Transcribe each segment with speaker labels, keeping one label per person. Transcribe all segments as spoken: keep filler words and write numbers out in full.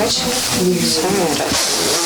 Speaker 1: Бачиш? Саме раз.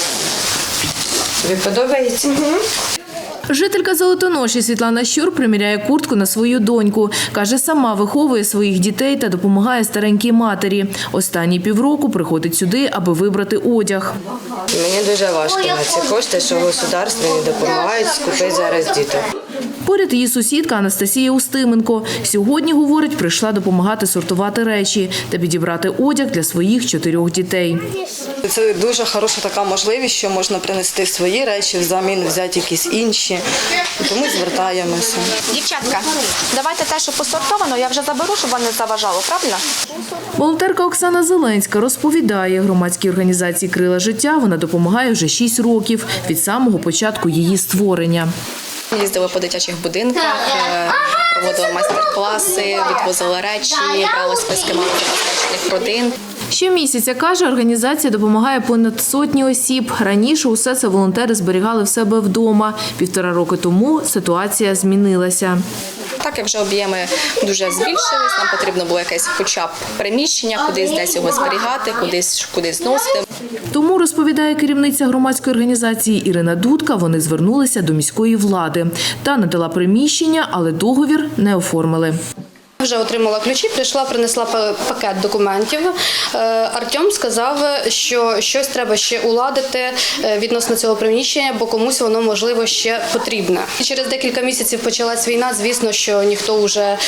Speaker 1: Тобі подобається?
Speaker 2: Жителька Золотоноші Світлана Щур приміряє куртку на свою доньку. Каже, сама виховує своїх дітей та допомагає старенькій матері. Останні півроку приходить сюди, аби вибрати одяг.
Speaker 1: Мені дуже важко на ці кошти, що государство не допомагають скупити зараз діток.
Speaker 2: Поряд її сусідка Анастасія Устименко. Сьогодні, говорить, прийшла допомагати сортувати речі та підібрати одяг для своїх чотирьох дітей.
Speaker 3: Це дуже хороша така можливість, що можна принести свої речі, взамін взяти якісь інші. Тому звертаємося.
Speaker 4: Дівчатка, давайте те, що посортовано, я вже заберу, щоб вам не заважало, правильно?
Speaker 2: Волонтерка Оксана Зеленська розповідає, громадській організації «Крила життя» вона допомагає вже шість років від самого початку її створення.
Speaker 5: Їздили по дитячих будинках, проводили майстер-класи, відвозили речі, брали списки малозабезпечених родин.
Speaker 2: Щомісяця, каже, організація допомагає понад сотні осіб. Раніше усе це волонтери зберігали в себе вдома. Півтора роки тому ситуація змінилася.
Speaker 5: Так як вже об'єми дуже збільшились, нам потрібно було якесь хоча б приміщення, кудись десь його зберігати, кудись, кудись зносити.
Speaker 2: Тому, розповідає керівниця громадської організації Ірина Дудка, вони звернулися до міської влади. Та надала приміщення, але договір не оформили.
Speaker 6: Вже отримала ключі, прийшла, принесла пакет документів. Артем сказав, що щось треба ще уладити відносно цього приміщення, бо комусь воно, можливо, ще потрібне. І через декілька місяців почалась війна, звісно, що ніхто вже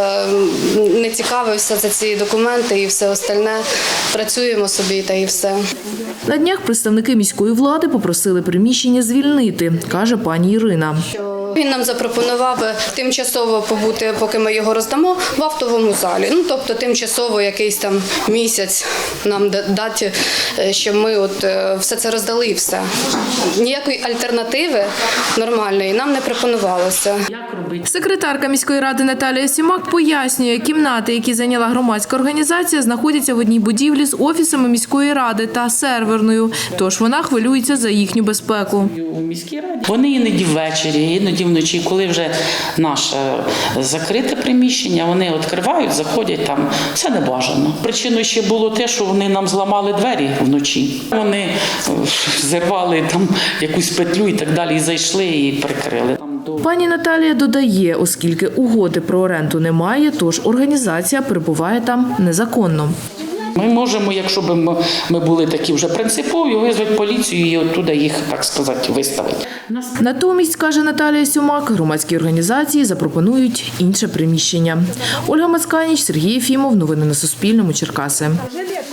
Speaker 6: не цікавився за ці документи і все остальне. Працюємо собі та і все.
Speaker 2: На днях представники міської влади попросили приміщення звільнити, каже пані Ірина.
Speaker 6: Він нам запропонував тимчасово побути, поки ми його роздамо, в актовому залі. Ну, тобто тимчасово якийсь там місяць нам дати, щоб ми от все це роздали і все. Ніякої альтернативи нормальної нам не пропонувалося.
Speaker 2: Секретарка міської ради Наталія Сімак пояснює, кімнати, які зайняла громадська організація, знаходяться в одній будівлі з офісами міської ради та серверною. Тож вона хвилюється за їхню безпеку.
Speaker 7: У міській раді вони іноді ввечері, іноді вночі, коли вже наше закрите приміщення, вони відкривають, заходять там. Це не бажано. Причиною ще було те, що вони нам зламали двері вночі. Вони зірвали там якусь петлю і так далі, і зайшли і прикрили.
Speaker 2: Пані Наталія додає, оскільки угоди про оренду немає, тож організація перебуває там незаконно.
Speaker 7: Ми можемо, якщо б ми були такі вже принципові, визвати поліцію і оттуда їх, так сказати, виставити.
Speaker 2: Натомість, каже Наталія Сімак, громадські організації запропонують інше приміщення. Ольга Мацканіч, Сергій Єфімов. Новини на Суспільному. Черкаси.